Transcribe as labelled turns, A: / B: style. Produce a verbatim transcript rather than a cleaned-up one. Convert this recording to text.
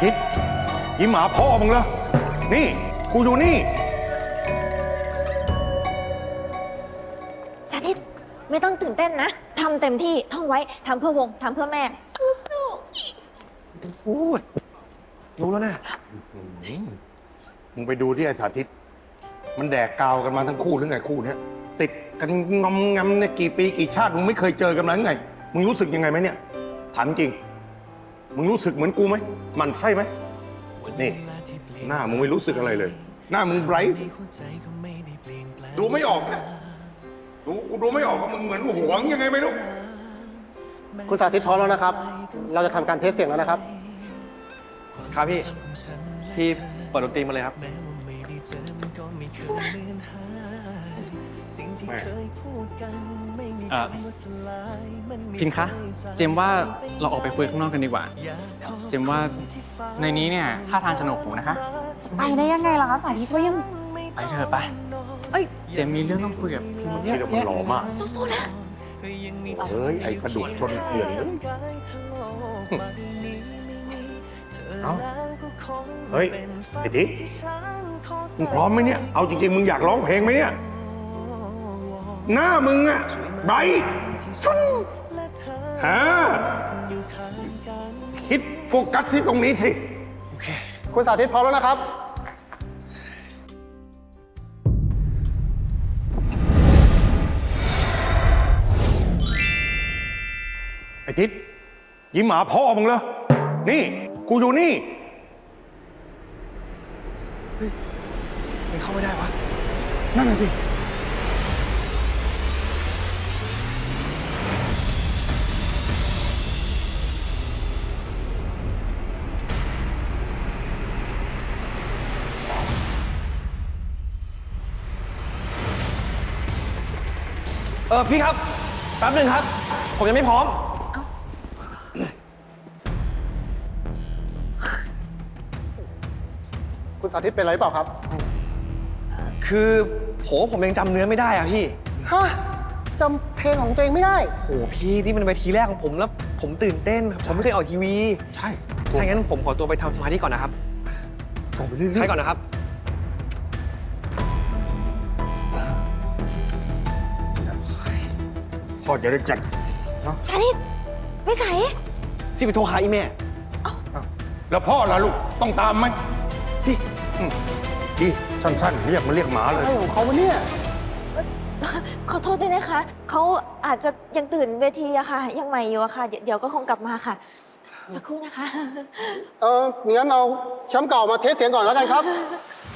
A: ทิศยิ้มหาพ่อมึงเหรอนี่กูอยู่นี่
B: สาธิตไม่ต้องตื่นเต้นนะทำเต็มที่ท่องไว้ทำเพื่อวงทำเพื่อแม่สู้ๆ
C: พูดรู้แล้วนะ
A: มึงไปดูที่ไอ้สาธิตมันแดกกาวกันมาทั้งคู่หรือไงคู่เนี้ยติดกันงอมงำเนี่ยกี่ปีกี่ชาติมึงไม่เคยเจอกันมาไงมึงรู้สึกยังไงไหมเนี่ยถามจริงมึงรู้สึกเหมือนกูไหมมันใช่ไหมนี่หน้ามึงไม่รู้สึกอะไรเลยหน้ามึงไบรท์ดูไม่ออกนะดูดูไม่ออกว่ามึงเหมือนหวงยังไงไม่รู้
D: คุณสาธิตพร้อมแล้วนะครับเราจะทำการเทสเสียงแล้วนะครับ
C: ครับพี่พี่เปิดดนตรีมาเลยครับ
B: สู้ๆนะ
E: เอ่อพินคะเจมว่าเราออกไปคุยข้างนอกกันดีกว่าเจมว่าในนี้เนี่ยท่าทางสนุกหูนะคะ
B: จะไปได้ยังไงล่ะคะสาธิตว่ายัง
E: ไปเถอะไปเอ้ยเจมมีเรื่องต้องคุยกับพี่มดเยอะ
A: ที่เรามันหล่อมาก
B: สู้ๆนะ
A: เฮ้ยไอ้กระดูกชนเกลื่อนเลยเอ้าเฮ้ยไอ้ทิศมึงพร้อมไหมเนี่ยเอาจริงๆมึงอยากร้องเพลงไหมเนี่ยหน้ามึงอะไบรท์ชุนฮะคิดโฟกัสที่ตรงนี้สิ
C: โอเค
D: คุณสาธิตพร้อมแล้วนะครับ
A: ไอ้ทิศยิ้มหมาพ่อมึงเหรอนี่กูอยู่นี่
C: เฮ้ยมันเข้าไม่ได้วะ
A: นั่นน่ะสิ
C: เออพี่ครับแป๊บหนึ่งครับผมยังไม่พร้อม
D: คุณสาธิตเป็นอะไรเปล่าครับ
C: คือโหผมยังจำเนื้อไม่ได้อะพี่
D: ฮะจำเพลงของตัวเองไม่ได้
C: โหพี่นี่มันเวทีแรกของผมแล้วผมตื่นเต้นผมไม่เคยออกทีวี
A: ใช่
C: ถ้างั้นผมขอตัวไปทำสมาธิก่อนนะครับ
A: ออกไปเรื่อยๆ
C: ใช่ก่อนนะครับ
A: พ่อจะได้จัด
B: สาธิตวิสัย
C: สิไปโทรหาอีแม่
A: แล้วพ่อล่ะลูกต้องตามไหม
C: พี่
A: พี่สั้นๆเรียกมาเรียกหมาเลย
D: อะไรของเขาวะเนี่ย
B: ขอโทษด้วยนะคะเขาอาจจะยังตื่นเวทีอะค่ะยังใหม่อยู่อะค่ะเดี๋ยวก็คงกลับมาค่ะสักครู่นะคะ
D: เอองั้นเอาแชมป์เก่ามาเทสเสียงก่อนแล้วกันครับ